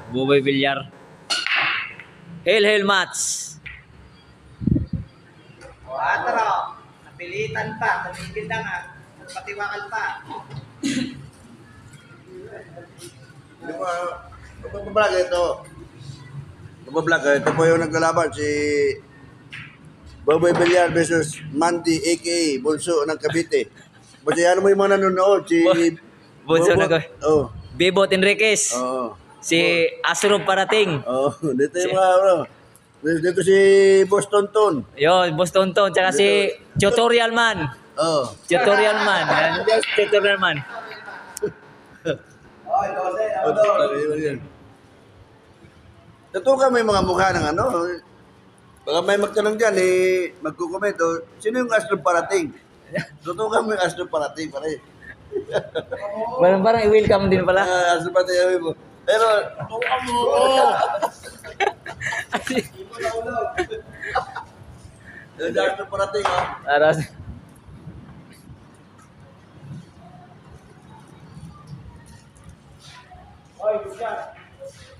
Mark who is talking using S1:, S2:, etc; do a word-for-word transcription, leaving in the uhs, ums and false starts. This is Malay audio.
S1: Buboy Villar. Hail, hail match.
S2: O, atro. Napilitan pa. Tumigil na nga. Nagpatiwakal pa.
S3: Di ba, magbablog ito. Magbablog ito po yung naglalaban si Buboy Villar versus Mandy a k a. Bunso ng Cavite. Kasi ano mo yung mga nanonood? Si
S1: Bunso
S3: Bobo-
S1: ng Cavite.
S3: Oh.
S1: Bebot Enriquez.
S3: Oo.
S1: Si Asro Parating.
S3: Oh, dito yung mga ano. Dito si Boston Ton.
S1: Yo, Boston Ton. Tsaka si Tutorial Man.
S3: Oh.
S1: Tutorial Man. Yan, Tutorial Man.
S2: Oy, dose.
S3: Oh, dito yan. Natukan mo yung mga mukha ng ano. Baka may magtanong dyan, eh, magkukomento, sino yung Astro Parating? Tutukan mo yung Astro Parating, pare.
S1: Parang parang i-welcome din pala.
S3: Ah, Astro Parating, sabi mo. Pero, tutukan mo ako! Yung Astro Parating, ha?
S1: Para
S2: Oy, good job.